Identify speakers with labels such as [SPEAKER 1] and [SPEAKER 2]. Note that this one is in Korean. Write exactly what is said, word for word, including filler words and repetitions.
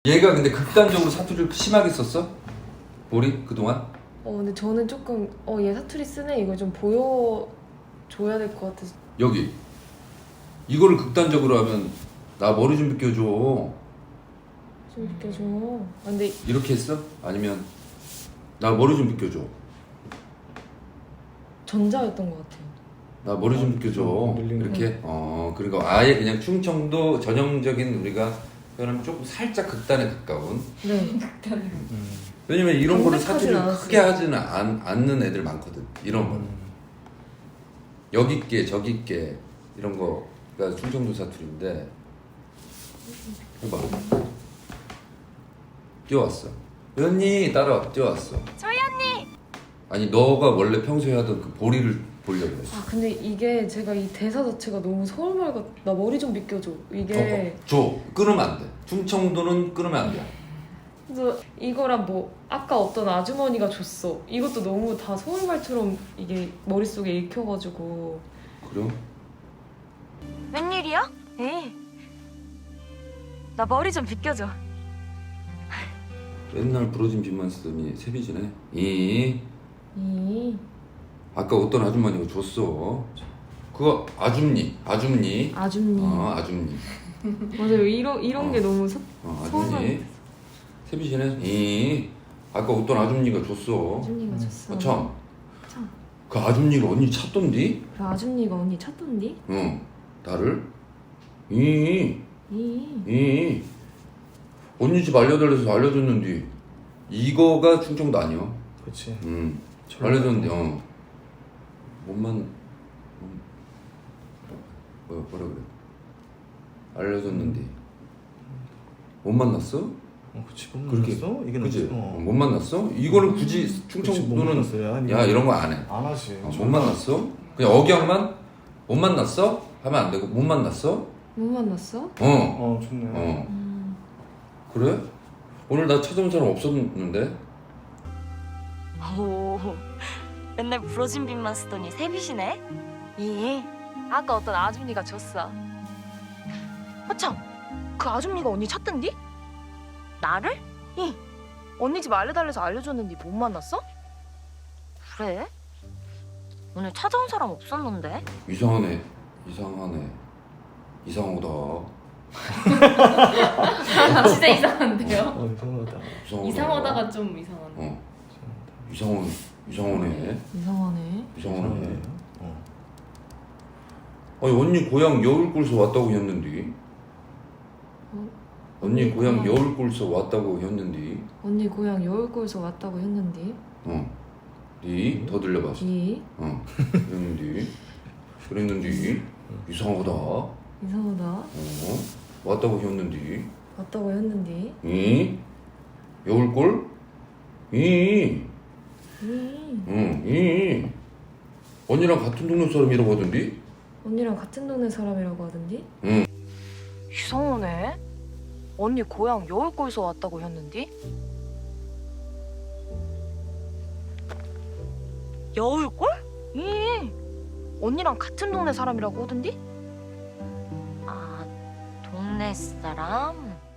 [SPEAKER 1] 얘가 근데 극단적으로 사투리를 심하게 썼어? 우리 그동안?
[SPEAKER 2] 어 근데 저는 조금 어 얘 사투리 쓰네 이걸 좀 보여줘야 될 것 같아서.
[SPEAKER 1] 여기 이거를 극단적으로 하면 나 머리 좀 빗겨줘
[SPEAKER 2] 좀 비켜줘. 아, 근데
[SPEAKER 1] 이렇게 했어? 아니면 나 머리 좀 빗겨줘
[SPEAKER 2] 전자였던 것 같아요.
[SPEAKER 1] 나 머리 좀 빗겨줘 이렇게? 어 그러니까 아예 그냥 충청도 전형적인 우리가 표현하면 조금 살짝 극단에 가까운.
[SPEAKER 2] 네.
[SPEAKER 1] 왜냐면 이런 거를
[SPEAKER 2] 정색하진
[SPEAKER 1] 사투리를
[SPEAKER 2] 않았어요.
[SPEAKER 1] 크게 하지는 않, 않는 애들 많거든. 이런 거는 여기 있게 저기 있게 이런 거가 충청도 사투리인데. 해봐. 뛰어왔어. 언니 따라와. 뛰어왔어.
[SPEAKER 3] 저희 언니!
[SPEAKER 1] 아니 너가 원래 평소에 하던 그 보리를 보려고 했어.
[SPEAKER 2] 아 근데 이게 제가 이 대사 자체가 너무 서울말 같. 나 머리 좀 비켜줘. 이게.
[SPEAKER 1] 어, 어, 줘. 끊으면 안 돼. 충청도는 끊으면 안 돼.
[SPEAKER 2] 그래서 이거랑 뭐 아까 어떤 아주머니가 줬어. 이것도 너무 다 서울말처럼 이게 머릿속에 읽혀가지고.
[SPEAKER 1] 그럼?
[SPEAKER 3] 웬일이야? 에이. 나 머리 좀 빗겨줘.
[SPEAKER 1] 맨날 부러진 빗만 쓰더니 세비지네. 이
[SPEAKER 2] 이
[SPEAKER 1] 아까 어떤 아줌마니가 줬어. 그거 아줌니, 아줌니.
[SPEAKER 2] 아줌니.
[SPEAKER 1] 어, 아줌니.
[SPEAKER 2] 맞아요. 이런 이런
[SPEAKER 1] 어.
[SPEAKER 2] 게 너무 서,
[SPEAKER 1] 어,
[SPEAKER 2] 서울말.
[SPEAKER 1] 아줌니. 세비지네. 이 아까 어떤 아줌니가 줬어.
[SPEAKER 2] 아줌니가 줬어.
[SPEAKER 1] 어, 참.
[SPEAKER 2] 참.
[SPEAKER 1] 그 아줌니가 언니 찾던디?
[SPEAKER 2] 그 아줌니가 언니 찾던디?
[SPEAKER 1] 응. 나를? 이,
[SPEAKER 2] 이
[SPEAKER 1] 이. 언니 집 알려달래서 알려줬는데 이거가 충청도 아니야.
[SPEAKER 4] 그렇지.
[SPEAKER 1] 응. 알려줬는데 어. 몸만 뭐 뭐라 그래? 알려줬는데 못 만났어?
[SPEAKER 4] 어, 그치. 못
[SPEAKER 1] 그렇게
[SPEAKER 4] 만났어? 이게
[SPEAKER 1] 그지?
[SPEAKER 4] 어.
[SPEAKER 1] 어, 못 만났어? 이거는 굳이
[SPEAKER 4] 그치, 못
[SPEAKER 1] 충청도는
[SPEAKER 4] 만났어요. 아니,
[SPEAKER 1] 야 이런 거 안 해.
[SPEAKER 4] 안 하지.
[SPEAKER 1] 어, 못 만났어? 그냥 억양만 못 만났어? 하면 안 되고 못 만났어?
[SPEAKER 2] 못 만났어?
[SPEAKER 1] 어.
[SPEAKER 4] 어, 좋네.
[SPEAKER 1] 어.
[SPEAKER 2] 음.
[SPEAKER 1] 그래? 오늘 나 찾아온 사람 없었는데?
[SPEAKER 3] 오, 맨날 부러진 빗만 쓰더니 새빗이네? 이, 아까 어떤 아줌니가 줬어. 아참, 그 아줌니가 언니 찾던디? 나를? 이, 언니 집 알려달래서 알려줬는데 못 만났어? 그래? 오늘 찾아온 사람 없었는데?
[SPEAKER 1] 이상하네. 이상하네. 이상하다.
[SPEAKER 5] 진짜 이상한데요?
[SPEAKER 4] 어, 이상하다.
[SPEAKER 1] 이상하다.
[SPEAKER 5] 이상하다가 좀 이상한데.
[SPEAKER 1] 어. 이상한 이상하네.
[SPEAKER 2] 이상하네.
[SPEAKER 1] 이상하네.
[SPEAKER 4] 어.
[SPEAKER 1] 아니 언니 고향 여울골서 왔다고 했는데.
[SPEAKER 2] 어?
[SPEAKER 1] 언니 고향
[SPEAKER 2] 고향-
[SPEAKER 1] 여울골서 왔다고 했는데.
[SPEAKER 2] 언니 고향 여울골에서 왔다고 했는데.
[SPEAKER 1] 어. 니? 더 들려봤어.
[SPEAKER 2] 이
[SPEAKER 1] 어. 그랬는데. 그랬는데. 이상하다. 어.
[SPEAKER 2] 이상하다.
[SPEAKER 1] 왔다고 했는데.
[SPEAKER 2] 왔다고 했는데.
[SPEAKER 1] 이? 여울골? 이?
[SPEAKER 2] 이
[SPEAKER 1] 응. 이? 언니랑 같은 동네 사람이라고 하던데?
[SPEAKER 2] 언니랑 같은 동네 사람이라고 하던데.
[SPEAKER 3] 이상하네. 언니 고향 여울골에서 왔다고 했는데? 여울골? 이, 언니랑 같은 동네 사람이라고 하던데? 아, 동네 사람?